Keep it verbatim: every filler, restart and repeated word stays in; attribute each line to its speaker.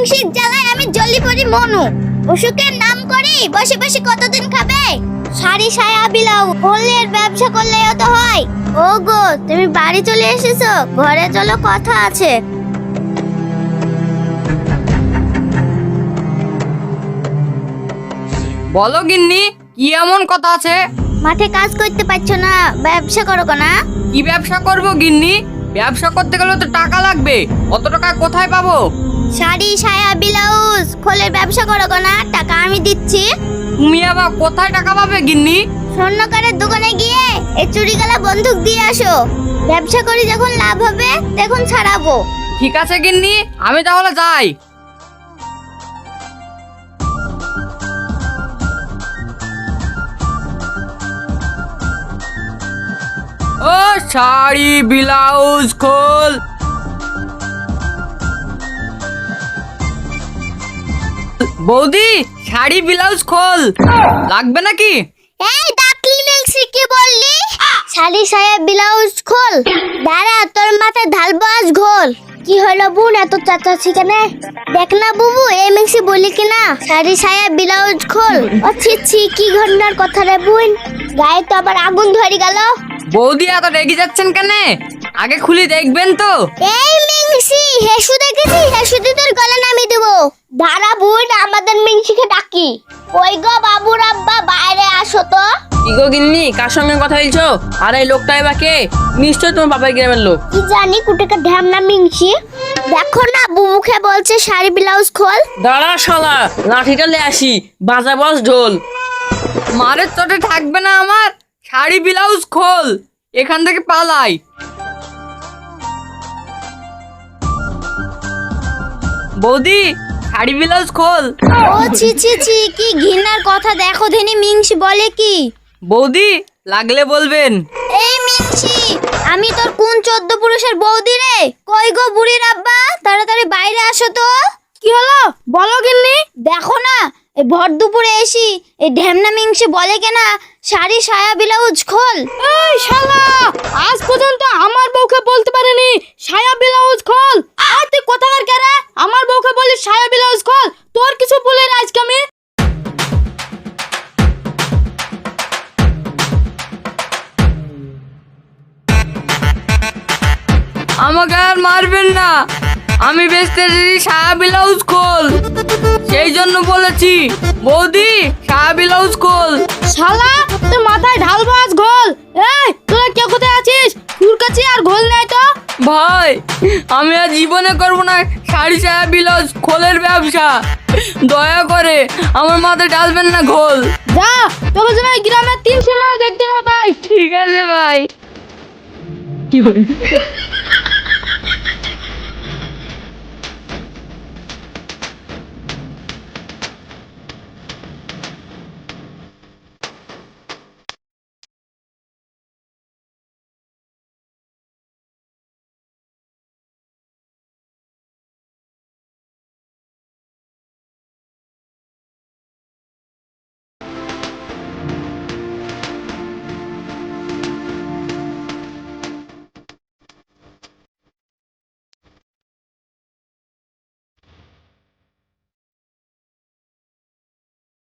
Speaker 1: মিংসির জ্বালায় আমি জলি পড়ি মনু। অসুখের নাম করি বসে বসে কতদিন খাবে? শাড়ি সায়া বিলাও হোলের ব্যবসা করলেও তো হয়। ও গো, তুমি বাড়ি চলে এসেছো? ঘরে চলো, কথা আছে।
Speaker 2: বলো গিন্নি, কি এমন কথা আছে?
Speaker 1: মাঠে কাজ করতে পারছো না, ব্যবসা করো না?
Speaker 2: কি ব্যবসা করব গিন্নি? ব্যবসা করতে গেলে তো টাকা লাগবে, অত টাকা কোথায় পাবো?
Speaker 1: শাড়ি সায়া ব্লাউজ খোলের ব্যবসা করো না, টাকা আমি দিচ্ছি।
Speaker 2: তুমি আবার কোথায় টাকা পাবে গিন্নি?
Speaker 1: স্বর্ণকারের দোকানে গিয়ে এই চুরিগালা বন্দুক দিয়ে আসো। ব্যবসা করি যখন লাভ হবে তখন ছাড়াবো।
Speaker 2: ঠিক আছে গিন্নি, আমি তাহলে যাই। ও শাড়ি ব্লাউজ খোল। বৌদি, শাড়ি ব্লাউজ খোল লাগবে নাকি?
Speaker 1: এই ডাকলি মিলছি, কি বললি? শাড়ি সায়া ব্লাউজ খোল। দাঁড়া, তোর মাথায় ঢালবো আজ ঘোল। কি হলো বোন, এত চাচাচ্ছি কেন? দেখ না বুবু, এই মিক্সি বলি কিনা শাড়ি সায়া ব্লাউজ খোল। ও ছি ছি, কি ঘটনার কথা রে বোন? গায়ে তো আবার আগুন ধরে গেল।
Speaker 2: বৌদি এত রেগে যাচ্ছেন কেন? আগে খুলে দেখবেন তো।
Speaker 1: এই মিংসি, হেসু দেখেছি, হেসু দিয়ে তোর গলা নামিয়ে দেবো। দাঁড়া বোন, আমাদের মিংসিকে ডাকি। ওই গো বাবুর আব্বা, বাইরে আসো তো।
Speaker 3: কি গো গিন্নি, কার সঙ্গে কথা বলছো? আর এই লোকটা এবার কে? নিশ্চয় তোমার বাবার গ্রামের লোক।
Speaker 1: কি জানি কুটেকা ঢ্যামনা মিংসি। দেখো না বুবুকে বলছে শাড়ি ব্লাউজ খোল।
Speaker 3: দাঁড়া শালা, লাঠিটা লে আসি, বাজা বস ঢোল।
Speaker 2: মারের চোটে থাকবে না আমার। শাড়ি ব্লাউজ খোল, এখান থেকে পালাই। বৌদি, শাড়ি ব্লাউজ খোল।
Speaker 1: ও ছি ছি ছি, কি ঘৃণার কথা। দেখো ধেনি মিংসি বলে কি।
Speaker 2: বৌদি, লাগলে বলবেন।
Speaker 1: এই মিংসি, আমি তোর কোন চোদ্দ পুরুষের বৌদি রে? কই গো বুড়ির আব্বা, তাড়াতাড়ি বাইরে আসো তো। কি হলো বলো গিন্নি? দেখো না, এই ভর দুপুরে এসি এই ঢ্যামনা মিংসি বলে কেনা শাড়ি সায়া ব্লাউজ খোল।
Speaker 3: এই শালা, আজ পর্যন্ত আমার বউকে বলতে পারেনি সায়া ব্লাউজ খোল। আর তুই কোথাকার কে রে? আমার বউকে বলিস সায়া ব্লাউজ খোল। তোর কিছু বলে না আজকে আমি।
Speaker 2: আমাকে আর মারবেন না, আমি বেচতে দিদি সায়া ব্লাউজ খোল, সেই জন্য বলেছি। বৌদি, সায়া ব্লাউজ খোল।
Speaker 3: শালা, তোর মাথায় ঢালবো আজ ঘোল। এই তোরা কে কোথায় আছিস? তোর কাছে আর ঘোল নাই তো?
Speaker 2: ভাই, আমি আর জীবনে করবো না শাড়ি সায়া ব্লাউজ খোলের ব্যবসা। দয়া করে আমার মাথায় ঢালবেন না ঘোল।
Speaker 3: যা, তোকে যেন এই গ্রামের তিন সিনেমা দেখতে না পাই।
Speaker 2: ঠিক আছে ভাই। কি